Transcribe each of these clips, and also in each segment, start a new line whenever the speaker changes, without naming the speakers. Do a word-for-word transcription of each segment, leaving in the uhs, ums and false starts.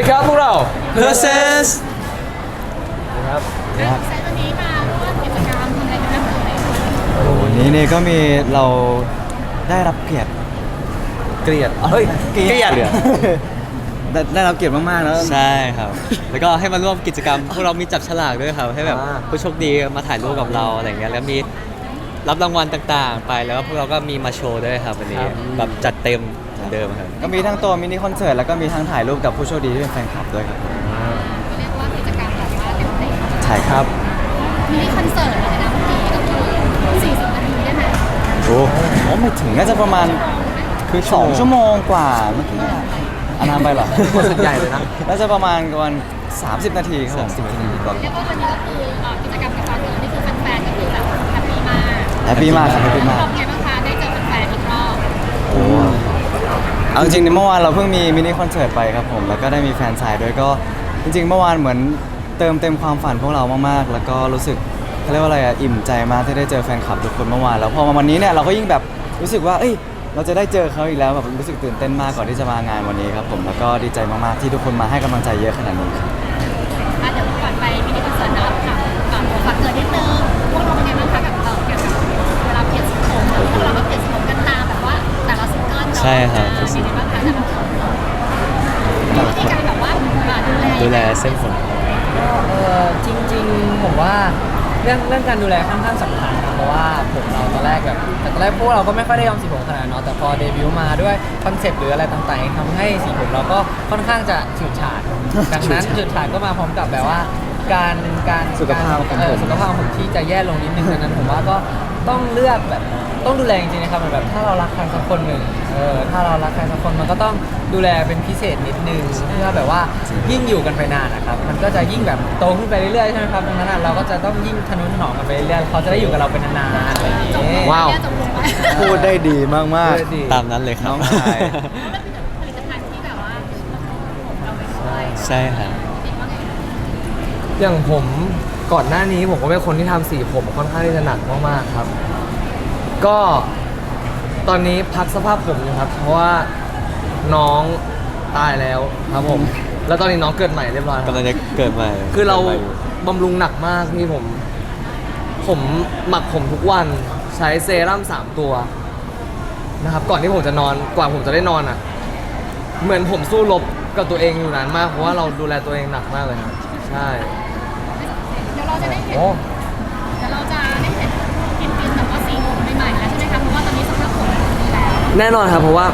ดีครับพวกเรา
Process
ครับ
ครับเซตวันนี้มาร่วมกิจกรรมทำอะไรกันบ้างเอ่ย
โอ้วันนี้เนี่ยก็มีเราได้รับเกียรติ
เกลียดเฮ้ย
เกียรติได้ได้รับเกียรติมากๆแล้ว
ใช่ครับ แล้วก็ให้มาร่วมกิจกรรม พวกเรามีจับฉลากด้วยครับ ให้แบบผู้โชคดีมาถ่ายรูปกับเราอะไรเงี้ย แล้วมีรับรางวัลต่างๆ ไป แล้วก็พวกเราก็มีมาโชว์ด้วยครับวันนี้ แบบจัดเต็มเหมือนเดิมครับ
ก็มีทั้งตัวมินิคอนเสิร์ตแล้วก็มีทั้งถ่ายรูปกับผู้โชคดีที่เป็นแฟนคลับด้วยครับ
เรียกว่ากิจกรรมแบบว่าเต็มเต็ม
ใช่ครับ
มินิคอนเสิร์ตเลยนะเมื่อกี้ก็คือสี่สิบนาทีได้ไหม
โอ้โหไม่ถึงน่าจะประมาณคือสองชั่วโมงกว่าเมื่อกี้อันนั้นไปเหรอ
คอนเสิร์ตใหญ่เลยนะ
น่าจะประมาณประมาณสามสิบนาทีครับผม
สามสิบนาที
เรียกว่าวันนี้ก็คือเอ่อกิจกรรมกับฟังเกิร์ลนี่คือแฟนๆก็คือแบบแฮปปี้มาก
แฮปปี้มากครับแฮปปี้มาก
รอบไงบ้างคะได้เจอแฟนๆอีกรอบ
โอ้เอาจริงๆในเมื่อวานเราเพิ่งมีมินิคอนเสิร์ตไปครับผมแล้วก็ได้มีแฟนสายด้วยก็จริงๆเมื่อวานเหมือนเติมเต็มความฝันพวกเรามากๆ แล้วก็รู้สึกเขาเรียกว่าอะไรอะอิ่มใจมากที่ได้เจอแฟนคลับทุกคนเมื่อวานแล้วพอมาวันนี้เนี่ยเราก็ยิ่งแบบรู้สึกว่าเอ้ยเราจะได้เจอเขาอีกแล้วแบบรู้สึกตื่นเต้นมากก่อนที่จะมางานวันนี้ครับผมแล้วก็ดีใจมากๆที่ทุกคนมาให้กำลังใจเยอะขนาดนี้ครับ
อ่ะเดี๋ยวก่อนไปมินิคอนเสิร์ตเนาะค่ะก่อนฟังเกิร์ลนิดนึงพวกเราเป็นไงบ้างคะกับเอ่อเกี่ยวกับเวลาเปลี่ยนสีผมพวกเราก็เปลี่ยนสีผมกันตามแบบว่าแต่ละซิงเกิลเนาะ
ใช่ครับ
อ่าเป็นไงบ้างคะแต่ละคนมีวิธีการแบบว่าอ่าดูแล
ดูแลเส้นผม
เออจริงๆผมว่าเรื่องเรื่องการดูแลค่อนข้างสำคัญนะเพราะว่าผมเราตอนแรกแบบตอนแรกพวกเราก็ไม่ค่อยได้ยอมสีผมขนาดนั้นเนาะแต่พอเดบิวต์มาด้วยคอนเซปต์หรืออะไรต่างๆทำให้สีผมเราก็ค่อนข้างจะฉูดฉาดดังนั้นฉูดฉาดก็มาพร้อมกับแบบว่า การการ
สุขภาพของผม
เออสุขภาพของผมที่จะแย่ลงนิดนึงดังนั้นผมว่าก็ต้องเลือกแบบต้องดูแลจริงๆนะครับเหมือนแบบถ้าเรารักใครสักคนหนึ่งเออถ้าเรารักใครสักคนมันก็ต้องดูแลเป็นพิเศษนิดนึงเพื่อแบบว่ายิ่งอยู่กันไปนานนะครับมันก็จะยิ่งแบบโตขึ้นไปเรื่อยๆใช่ไหมครับดังนั้นอะเราก็จะต้องยิ่งทะนุถนอมกันไปเรื่อยๆเขาจะได้อยู่กับเราเป็นนานๆอะไรอย่างเงี้ย
ว้าว
จบลงไป
พูดได้ดีมาก
เออดี
ตามนั้นเลยครับ
น้องชาย
ผลิตภัณฑ์ที่แบบว่าผมเราไปช่วย
ใช่ครับ
เด็กว่าไง
อย่างผมก่อนหน้านี้ผมก็เป็นคนที่ทำสีผมค่อนข้างที่จะหนักมากๆครับ ก็ตอนนี้พักสภาพผมอยู่ครับ เพราะว่าน้องตายแล้วครับผม แล้วตอนนี้น้องเกิดใหม่เรียบร้อยครับ
กำลังจะเกิดใหม่
คือเรา
กิดใหม่ยู่
บำรุงหนักมากนี่ผม ผมหมักผมทุกวันใช้เซรั่มสามตัวนะครับ ก่อนที่ผมจะนอนกว่าผมจะได้นอนอ่ะ เหมือนผมสู้รบกับตัวเองอยู่นานมากเพราะว่าเราดูแลตัวเองหนักมากเลยครับใช่
เดี๋ยวเราจะได้เห็น
โอ้
เดี๋ยวเราจะได้เห็นกินกินแบบว่าสีผมใหม่ๆแล้วใช่ไหมคะเพราะว่าตอนนี้สภาพผมดีแล้ว
แน่นอนครับเพราะว่า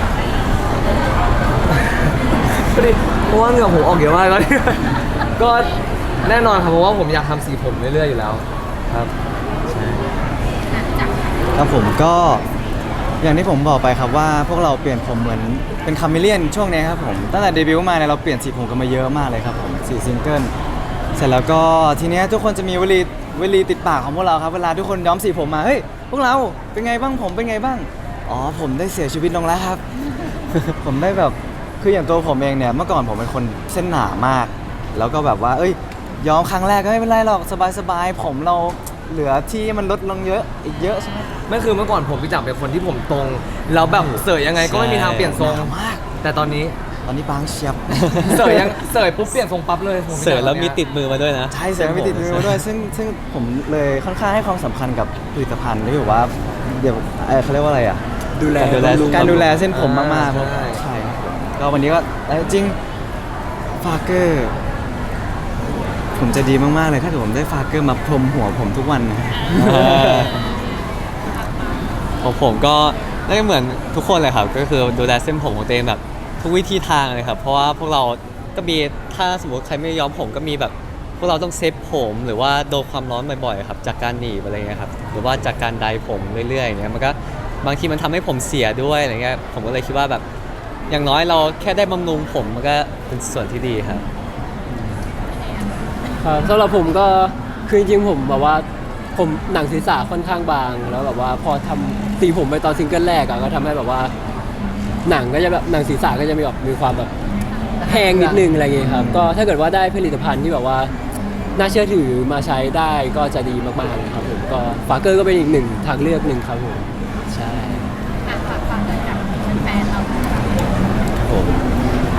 พอดีเพราะว่าเหงื่อผมออกเยอะมากแล้วเนี่ยก็แน่นอนครับเพราะว่าผมอยากทำสีผมเรื่อยๆอยู่แล้วครับ
ครับผมก็อย่างที่ผมบอกไปครับว่าพวกเราเปลี่ยนผมเหมือนเป็นคาเมเลียนช่วงนี้ครับผมตั้งแต่เดบิวต์มาเนี่ยเราเปลี่ยนสีผมกันมาเยอะมากเลยครับผมสี่ซิงเกิลเสร็จแล้วก็ทีเนี้ยทุกคนจะมีวลีวลีติดปากของพวกเราครับเวลาทุกคนย้อมสีผมมาเฮ้ยพวกเราเป็นไงบ้างผมเป็นไงบ้างอ๋อผมได้เสียชีวิตลงแล้วครับ ผมได้แบบคืออย่างตัวผมเองเนี่ยเมื่อก่อนผมเป็นคนเส้นหนามาก แล้วก็แบบว่าเอ้ยย้อมครั้งแรกก็ไม่เป็นไรหรอกสบายๆผมเราเหลือที่มันลดลงเยอะอีกเยอะใช่ไหม
ไม่คือเมื่อก่อนผมพี่จับเป็นคนที่ผมตรงแล้วแบบเสยยังไงก็ไม่มีทางเปลี่ยนทรง
หนามาก
แต่ตอนนี้
ตอนนี้บางเชียบ
เสยยังเสยปุ๊บเปลี่ยนทรงปั๊บเลยผมพี่
เสิ
จั
ร์
บ
ฟแล้ว
ตอน
มี
นี้ย
ติดมือมาด้วยนะ
ใช่เสียงไม่ติดมือมาด้วยซึ่งซึ่งผมเลยค่อนข้างให้ความสำคัญกับผลิตภัณฑ์ที่แบบว่าเดี๋ยวเอ่อเขาเรียกว่าอะไรอ่ะ
ดูแลดูแล
การดูแลเส้นผมมากๆ
ใช่
ใช่ครับผมก็วันนี้ก็เอ้ยจริงฟาเกอร์ผมจะดีมากๆเลยถ้าเกิดผมได้ฟาเกอร์มาพรมหัวผมทุกวันนะ
ของผมก็น่าจะเหมือนทุกคนเลยครับก็คือดูแลเส้นผมของตัวเองแบบทุกวิธีทางเลยครับเพราะว่าพวกเราก็มีถ้าสมมติใครไม่ย้อมผมก็มีแบบพวกเราต้องเซฟผมหรือว่าโดนความร้อนบ่อยๆครับจากการหนีบอะไรเงี้ยครับหรือว่าจากการไดผมเรื่อยๆอย่างเงี้ยมันก็บางทีมันทำให้ผมเสียด้วยอะไรเงี้ยผมก็เลยคิดว่าแบบอย่างน้อยเราแค่ได้บำรุงผมมันก็เป็นส่วนที่ดีครับ
ครับสำหรับผมก็คือจริงๆผมแบบว่าผมหนังศีรษะค่อนข้างบางแล้วแบบว่าพอทำสีผมไปตอนซิงเกิลแรกอะก็ทำให้แบบว่าหนังก็จะแบบหนังศีรษะก็จะมีแบบมีความแบบแห้งนิดนึงอะไรอย่างเงี้ยครับก็ถ้าเกิดว่าได้ผลิตภัณฑ์ที่แบบว่าน่าเชื่อถือมาใช้ได้ก็จะดีมากๆเลยครับผมก็ฟาเกอร์ก็เป็นอีกหนึ่งทางเลือกหนึ่งครับผมใช่
อ่ะฝากฟังเลยกับแฟนๆเรา
ผมเอ่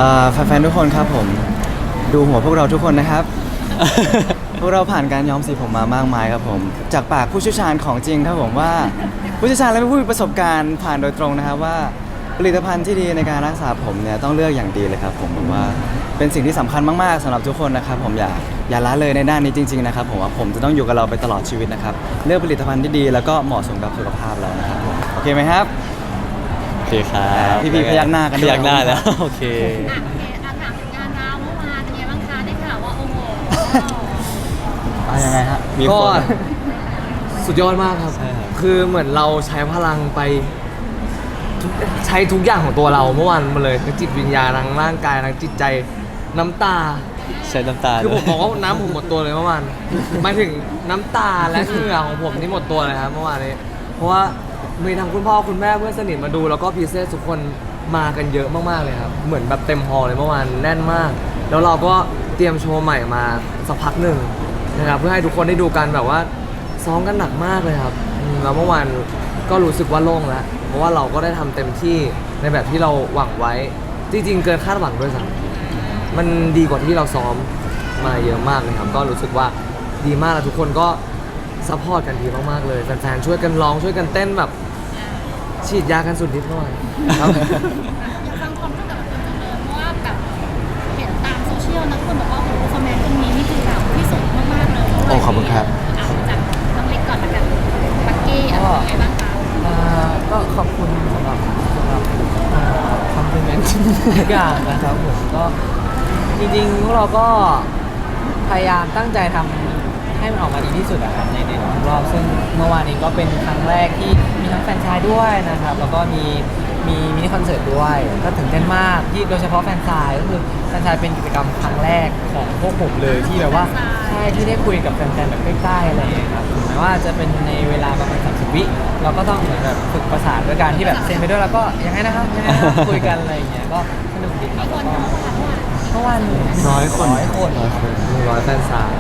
อ่าแฟนๆทุกคนครับผมดูหัวพวกเราทุกคนนะครับ พวกเราผ่านการย้อมสีผมมามากมายครับผมจากปากผู้เชี่ยวชาญของจริงครับผมว่าผู้เชี่ยวชาญและผู้มีประสบการณ์ผ่านโดยตรงนะครับว่าผลิตภัณฑ์ที่ดีในการรักษาผมเนี่ยต้องเลือกอย่างดีเลยครับผมผมว่าเป็นสิ่งที่สำคัญมากๆสำหรับทุกคนนะครับผมอย่าอย่าละเลยในด้านนี้จริงๆนะครับผมว่าผมจะต้องอยู่กับเราไปตลอดชีวิตนะครับเลือกผลิตภัณฑ์ที่ดีแล้วก็เหมาะสมกับสุขภาพเรานะครับผมโอเคไหมครับ
โอเคครับ
พี่ๆพยักหน้ากันด้วย
พยักหน้าแล้ว โอเค
อ่ะโอเคอ่ะถามถึงงานเราเมื่อวานเป็นไงบ้างคะได้ข่าวว่าโอ้โห
อ่ะยังไงฮะ
มี
ก็
คน
สุดยอดมากครับ
ใช่ครับ
คือเหมือนเราใช้พลังไปทุกใช้ทุกอย่างของตัวเราเมื่อวานมาเลยทั้งจิตวิญญาณทั้งร่างกายทั้งจิตใจน้ำตา
ใช้น้ำตา
คือผม
ด้วย
บอกว่าน้ำผมหมดตัวเลยเมื่อวานหมายถึงน้ำตาและเหงื่อของผมนี่หมดตัวเลยครับเมื่อวานนี้ เพราะว่ามีทั้งคุณพ่อคุณแม่เพื่อนสนิทมาดูแล้วก็พีเซสทุกคนมากันเยอะมากๆเลยครับ เหมือนแบบเต็มฮอลล์เลยเมื่อวานแน่นมาก แล้วเราก็เตรียมโชว์ใหม่มาสักพักหนึ่งนะครับเพื่อให้ทุกคนได้ดูกันแบบว่าซ้อมกันหนักมากเลยครับอืมแล้วเมื่อวานก็รู้สึกว่าโล่งแล้วเพราะว่าเราก็ได้ทำเต็มที่ในแบบที่เราหวังไว้จริงๆเกินคาดหวังด้วยซ้ำมันดีกว่าที่เราซ้อมมาเยอะมากเลยครับ ก็รู้สึกว่าดีมากแล้วทุกคนก็ซัพพอร์ตกันดีมากๆเลยแฟนๆช่วยกันร้องช่วยกันเต้นแบบฉีดยากันสุดฤทธิ์หน่อยครับ
อยากฟังความรู้สึกกับคนจังเลยเพราะว่าแบบเห็นตามโซเชียลนะคนบอกว่าโอ้โหคอมเมนต์ตรงนี้นี่คือแบบที่สุดมากๆเลย
โอ้ขอบคุณครับ
อ่ะจากน้องเล็กก่อนละกันบักกี้อะไรยังไงบ้างคะ
อ่าก็ขอบคุณสำหรับสำหรับคอมพลีเมนต์ทุกอย่างนะครับผมก็จริงๆพวกเราก็พยายามตั้งใจทำให้มันออกมาดีที่สุดอะครับในในทุกรอบซึ่งเมื่อวานนี้ก็เป็นครั้งแรกที่มีทั้งแฟนชายด้วยนะครับแล้วก็มีมีมินิคอนเสิร์ตด้วยก็ตื่นเต้นมากที่โดยเฉพาะแฟนชายก็คือแฟนชายเป็นกิจกรรมครั้งแรกของพวกผมเลยที่แบบว่าใช่ที่ได้คุยกับแฟนๆแบบใกล้ๆอะไรอย่างเงี้ยครับถึงแม้ว่าจะเป็นในเวลาประมาณสามสิบวิเราก็ต้องเหมือนแบบฝึกประสานด้วยการที่แบบเซ็นไปด้วยแล้วก็ยังไงนะครับยังไงนะครับคุยกันอะไรอย่างเงี้ยก็สนุกดีครับ
มีคน
แล้วก็
เข้ามาเมื่อวาน
เมื่อวาน
ร้อยคน
ร้อยคน
ร้อยคนหนึ่งร้อยแฟนซาย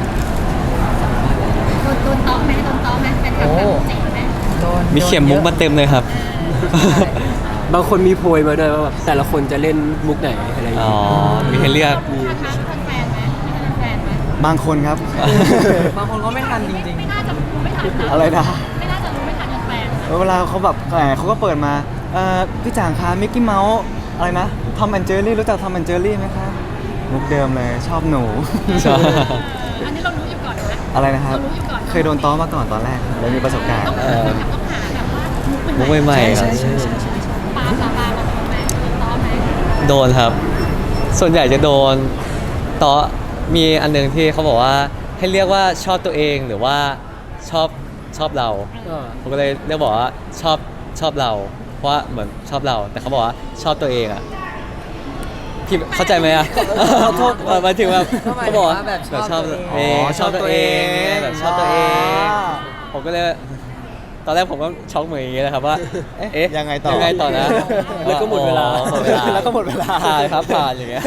โดนโดนต้อมไหมโดนต้อมไหมเป็นแบบแบบเจ๋งไหม
โดน
มีเข็มมุกมาเต็มเลยครับ
บางคนมีโพยมาด้วยว่าแบบแต่ละคนจะเล่นมุกไหนอะไรอย่าง
อ๋อ
เงี้ย
มีให้เลือก
มีทันทันแฟนไหมมีทันแฟนไหม
บางคนครับ
บางคนก็ไม่ทันจริง
ไม่น่าจะรู้ไม่ทันนะ
อะไรนะ
ไม่น่าจะรู้ไม่ทันแฟน
เวลาเขาแบบแหมเขาก็เปิดมาเอ่อพี่จางคะมิกกี้เมาส์อะไรนะทอมแอนเจอรี่รู้จักทอมแอนเจอรี่ไหมครับมุกเดิมเลยชอบหนู
ชอบ
อันนี้เรารู้อยู่ก่อนนะ
อะไรนะครับ
เรารู้อยู่ก่อน
เคยโดนต้อมาก่อนตอนแรกเลยมีประสบการณ์
ต้องหาต้องหาแบบว่ามุก
มุก
ใหม่
ใหม่ๆครับ
ปลาปลาปลาเราโดนไหมโดนต้อมไหม
โดนครับ ส่วนใหญ่จะโดนต่อมีอันหนึงที่เขาบอกว่าให้เรียกว่าชอบตัวเองหรือว่าชอบชอบเรา
ก็
ผมก็เลยเรียกบอกว่าชอบชอบเรา เพราะว่าเหมือนชอบเรา แต่เขาบอกว่าชอบตัวเองอ่ะพี่เข้าใจไหมอ่ะขอโทษหมายถึงแบบ
ก็หมายถึง
เขาบอก
ว่าแบบชอบ
ชอบ
ตัว
เอ
เอง
งชอบตัวเองเนี่ยแบบชอบตัวเอง
อ๋อ
ผมก็เลยตอนแรกผมก็ช็อกเหมือนอย่างเงี้ยนะครับว่าเอ๊ะ
ยังไงต่อ
ยังไงต่อนะ
แล้วก็หมดเวลา
อ๋อหมดเวลา
แล้วก็หมดเวลา
ผ่านครับผ่านอย่างเงี้ย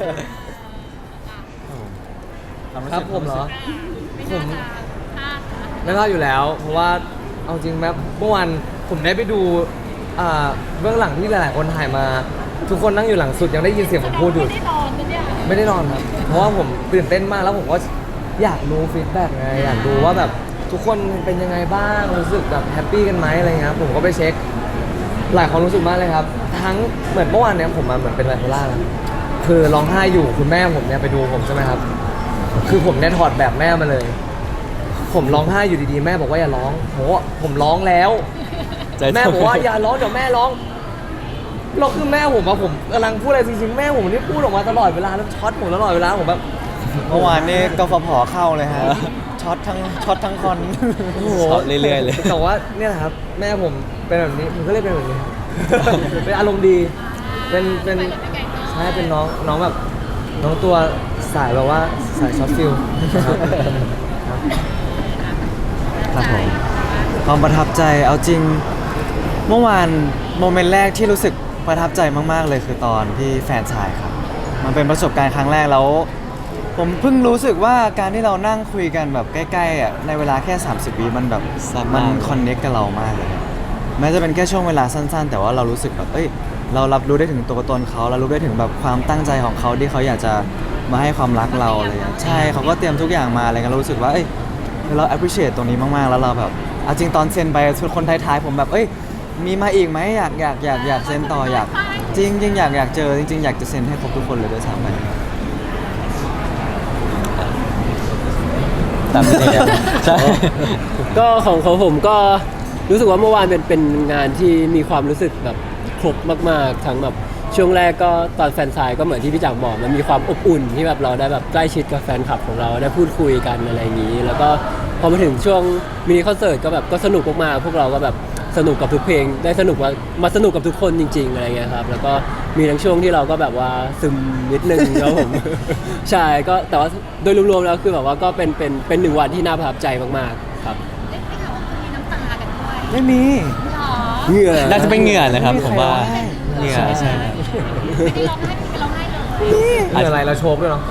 ครับผมเหรอ
ไม่น่าจะพลาดนะ
ไม่พลาดอยู่แล้ว เพราะว่าเอาจริงแม้เมื่อวานผมได้ไปดูอ่าเบื้องหลังที่หลายๆคนถ่ายมา ทุกคนนั่งอยู่หลังสุดยังได้ยินเสียงผมพูดอยู่
ไม่ได้นอนนะเนี่ย
ไม่ได้นอนครับ เพราะว่าผมตื่นเต้นมากแล้วผมก็อยากรู้ฟีดแบ็กไงอยากดูว่าแบบทุกคนเป็นยังไงบ้างรู้สึกแบบแฮปปี้กันไหมอะไรเงี้ยครับผมก็ไปเช็ค หลายความรู้สึกมากเลยครับ ทั้งเหมือนเมื่อวานเนี้ยผมมาเหมือนเป็นไบโพล่านะคือร้องไห้อยู่คุณแม่ผมเนี่ยไปดูผมใช่ไหมครับ คือผมเนี่ยถอดแบบแม่มาเลย ผมร้องไห้อยู่ดีๆแม่บอกว่าอย่าร้องผมว่าผมร้องแล้ว
ใจ
แม่บอกว่าอย่าร้องเดี๋ยวแม่ร้องเราคือแม่ผมอะผมกำลังพูดอะไรจริงๆแม่ผมนี่พูดออกมาตลอดเวลาแล้วช็อตผมตลอดเวลาผมแบบ
เมื่อวานนี้กฟผเข้าเลยฮะช็อตทั้งช็อตทั้งคอน
โอ้โห
ช็อตเรื่อยๆเลย
แต่ว่าเนี่ยแหละครับแม่ผมเป็นแบบนี้ผมก็เลยเป็นแบบนี้ เป็นอารมณ์ดีเป็นเป็นใช่เป็นน้องน้องแบบน้องตัวสายแบบว่าสายช็อตฟิลครับ
ครับผมความประทับใจเอาจริงเมื่อวานโมเมนต์แรกที่รู้สึกประทับใจมากๆเลยคือตอนที่แฟนชายครับ มันเป็นประสบการณ์ครั้งแรกแล้ว ผมเพิ่งรู้สึกว่าการที่เรานั่งคุยกันแบบใกล้ๆอ่ะในเวลาแค่ สามสิบ วิมันแบบ
สั้น
มั
มาก
นคอนเน็กกับเรามากเลย แม้จะเป็นแค่ช่วงเวลาสั้นๆ แต่ว่าเรารู้สึกแบบเอ้ยเรารับรู้ได้ถึงตัวตนเขาเรารู้ได้ถึงแบบความตั้งใจของเขาที่เขาอยากจะมาให้ความรักเราอะไรอย่างเงี้ยใช่เขาก็เตรียมทุกอย่างมาอะไรเงี้ยเรารู้สึกว่าเอ้ยเรา appreciate ตรงนี้มากๆแล้วเราแบบเอาจริงตอนเซ็นไปคนท้ายๆผมแบบเอ้ยมีมาอีกไหมอยากอยากอยากอยากเซ็นต่ออยากจริงจริงอยากอยากเจอจริงๆอยากจะเซ็นให้ครบทุกคนเลยด้วยซ้ำไป
ตามนี้ครับใช่
ก็ของของผมก็รู้สึกว่าเมื่อวานเป็นเป็นงานที่มีความรู้สึกแบบครบมากๆทั้งแบบช่วงแรกก็ตอนแฟนซายก็เหมือนที่พี่จักรบอกมันมีความอบอุ่นที่แบบเราได้แบบใกล้ชิดกับแฟนคลับของเราได้พูดคุยกันอะไรอย่างนี้ แล้วก็พอมาถึงช่วงมินิคอนเสิร์ตก็แบบก็สนุกมากๆพวกเราก็แบบสนุกกับทุกเพลงได้สนุกว่ามาสนุกกับทุกคนจริงๆอะไรเงี้ยครับแล้วก็มีทั้งช่วงที่เราก็แบบว่าซึมนิดนึงครับผม ใช่ก็แต่ว่าโดยรวมๆแล้วคือแบบว่าก็เป็นเป็นเป็นหนึ่งวันที่น่าประทับใจมากๆครับ
ได้ได้ข่าวว่าคุณมีน้ำตากันด้วย
ไม่มี
หรอ
เหงื่อ
น่าจะเป็นเหงื่อนะครับผมว่า
ไม่
เห
มี
งื่อ
ใครร้องไห้
ใช่
ไม่ได้ร้องไห้ไม่ได้ร้องไห้เลย
มีอะไรเราโชว์ด้วยเนาะ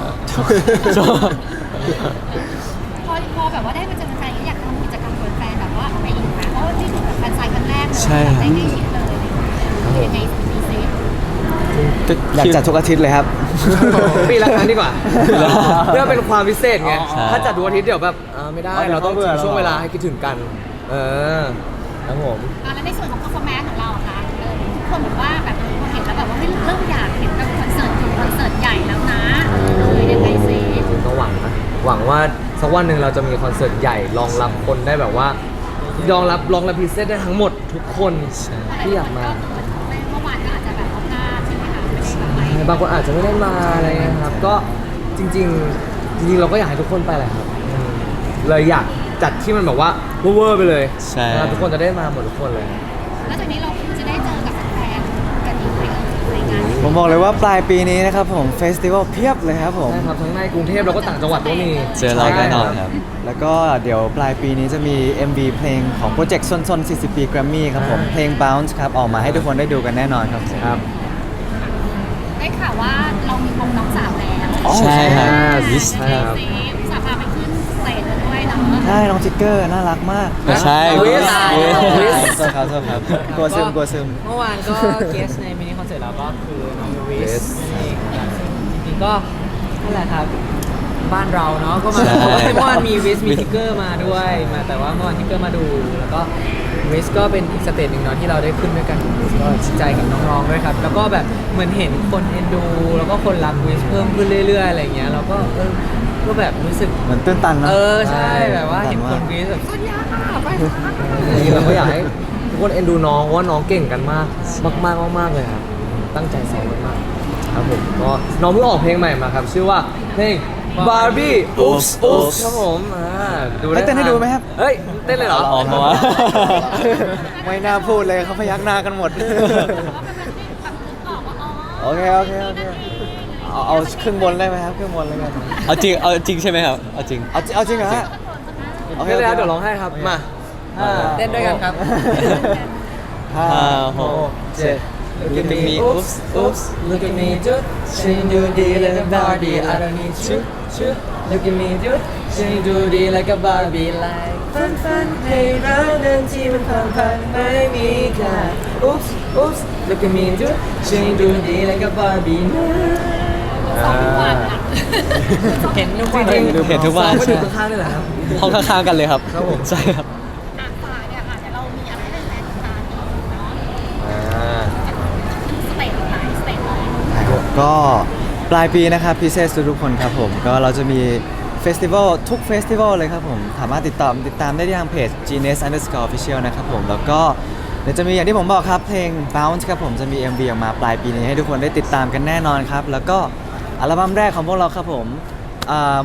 พอพอแบบว่าได้มาเจอแฟนๆอยากทำกิจกรรมกับแฟนแบบว่าอะไรอีกนะเพราะว่านี่คือแบบแฟนไซน์ครั้งแรกเลย
ใช่
แบบได้ใกล้ชิดเลยคือยังไงมีซิ
อยากจัดทุกอาทิตย์เลยครับ
ปีละครั้งดีกว่า เพื่อเป็นความพิเศษไง
ใช่
ถ้าจัดดูอาทิตย์เดี๋ยวแบบอ่าไม่ได้
อ๋อเดี๋ยว
เราต้อง
เขาเบื่อ
ทิ้งช่วง
เรา
เวลาให้คิดถึงกัน เออครับผม
อ่ะแล้วในส่วนของ performance ของเราอะคะเออทุกคนบอกว่าแบบพอเห็นแล้วแบบว่าเฮ้ยเริ่มอยากเห็นแบบคอนเสิร์ตคอนเสิร์ตใหญ่แล้วนะเออยังไงซิ
ก็หวังนะหวังว่าสักวันหนึ่งเราจะมีคอนเสิร์ตใหญ่รองรับคนได้แบบว่า รองรับรองรับพิเศษได้ทั้งหมดทุกคนที่อยากมา
เมื่อวานก็อาจจะแบบเอาพลาดใช่ไหมคะไม่ได้แบบไป
บางคนอาจจะไม่ได้มาอะไรเงี้ยครับ ก็จริงๆจริงๆเราก็อยากให้ทุกคนไปแหละครับอืมเลยอยากจัดที่มันแบบว่าเวอร์ๆไปเลย
ใช่
นะครับทุกคนจะได้มาหมดทุกคนเลย
แล้วจากนี้เราจะได้เจอกับแฟนๆกันอีกไหมเอ่ยในงานนี้
ผมบอกเลยว่าปลายปีนี้นะครับผมเฟสติวัลเพียบเลยครับผม
ใช่ครับทั้งในกรุงเทพแล้วก็ต่างจังหวัดก็มี
เจอเราแน่นอนครับ
แล้วก็เดี๋ยวปลายปีนี้จะมี เอ็ม วี เพลงของโปรเจกต์ซนซนสี่สิบ ปีแกรมมี่ครับผม
อ่า
เพลง Bounce ครับ ออกมาให้ทุกคนได้ดูกันแน่นอนครับผม
ครับ
ได้ข่าวว่าเรามีวงน้องสาวแล้ว
อ๋อ
ใช่ครับ
วิส
ใช่ครับอุตส่าห์พาไปขึ้นสเตจด้วยเนาะ
ใช่น้องทิกเกอร์น่ารักมาก
ไม่ใช่
วิส
วิส
โทษครับโทษครับกลัวซึมกลัวซึม
เมื่อวานก็ เกสในมินิคอนเสิร์ตเราก็คือน้องวิสนั่นเองครับซึ่งจริงๆก็นั่นแหละครับบ้านเราเนาะก็มา
ใช่
เพราะว่าเมื่อวานมีวิสมีทิกเกอร์มาด้วยมาแต่ว่าเมื่อวานทิกเกอร์มาดูแล้วก็วิสก็เป็นอีกสเตจหนึ่งเนาะที่เราได้ขึ้นด้วยกันวิสก็ดีใจกับน้องๆด้วยครับแล้วก็แบบเหมือนเห็นคนเอ็นดู แล้วก็คนรักวิสเพิ่มขึ้นเรื่อยๆอะไรอย่างเงี้ยเราก็เออก็แบบรู้สึก
เหมือนตื้นตันนะ
เออใช่แบบว่าเห็นคนวิสแบบสุดยอดไป
จริงๆเราก็อยากให้ทุกคนเอ็นดูน้องเพราะว่าน้องเก่งกันมากมากๆมากๆเลยครับตั้งใจซ้อมมากๆครับผมก็น้องเพิ่งออกเพลงใหม่มาครับ ชื่อว่าเพลง Barbie Oops Oops ครับผมอ่าดู
ให้เต้นให้ดูไหมครับ
เฮ้ยเต้นเลยเหรอ
ออกมาว่า
ไม่น่าพูดเลยเขาพยักหน้ากันหมด
แต่ว่าเป็นแบบที่แบบนึกออกว่าอ๋อ
โอเคโอเคโอเค เอาเอาครึ่งบนได้ไหมครับครึ่งบนแล้วกัน
เอาจริงเอาจริงใช่ไหมครับเอาจริง
เอาเอาจริงเหรอฮะ โอเค
เต้นเลยครับ
โอเค
เดี๋ยวร้องให้ครับมาห้า
เต้นด้วยกันครับ
ห้า
ห้าห
ห
ก
กเจ็ด
Look at me oops
oops look at me dude she do the like a Barbie I don't need you you look at me dude she do the like a Barbie like ฟันฟันให้รักนั้นที่มันพันพันไม่มีค่า oops oops look at me dude she do the like a Barbie นะ
สองทุกวันอ่ะ
เห็นทุกวัน
จริงๆ
เห็นทุกวัน
ก็ดูข้างๆนี่แหละครับ
ห้องข้างๆกันเลยครับ
ครับผม
ใช่ครับ
อ่ะฝากเนี่ยค่ะเดี๋ยวเรามีอะไรให้แฟนๆติดตามอีกเนาะ
อ่า
สเตจหลายสเตจเลย
ก็ปลายปีนะครับพิเศษทุกๆคนครับผม ก็เราจะมีเฟสติวัลทุกเฟสติวัลเลยครับผม สามารถติดตามติดตามได้ที่ทางเพจ Genius Underscore Official นะครับผม แล้วก็เดี๋ยวจะมีอย่างที่ผมบอกครับ เพลง Bounce ครับผมจะมี เอ็ม วี ออกมาปลายปีนี้ให้ทุกคนได้ติดตามกันแน่นอนครับ แล้วก็อัลบั้มแรกของพวกเราครับผมอ่า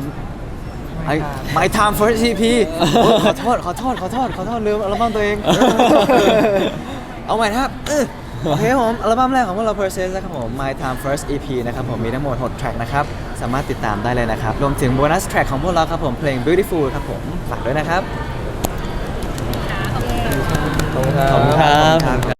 I- My Time First อี พี โอ๊ยขอโทษขอโทษขอโทษขอโทษลืมอัลบั้มตัวเอง เอาใหม่นะครับเออโอเคครับผมอัลบั้มแรกของพวกเรา Process นะครับผม My Time First อี พี นะครับผมมีทั้งหมดหกแทร็กนะครับสามารถติดตามได้เลยนะครับรวมถึงโบนัสแทร็กของพวกเราครับผมเพลง Beautiful ครับผมฝากด้วยนะครับ
ขอบคุณครับ
ขอบคุณครับ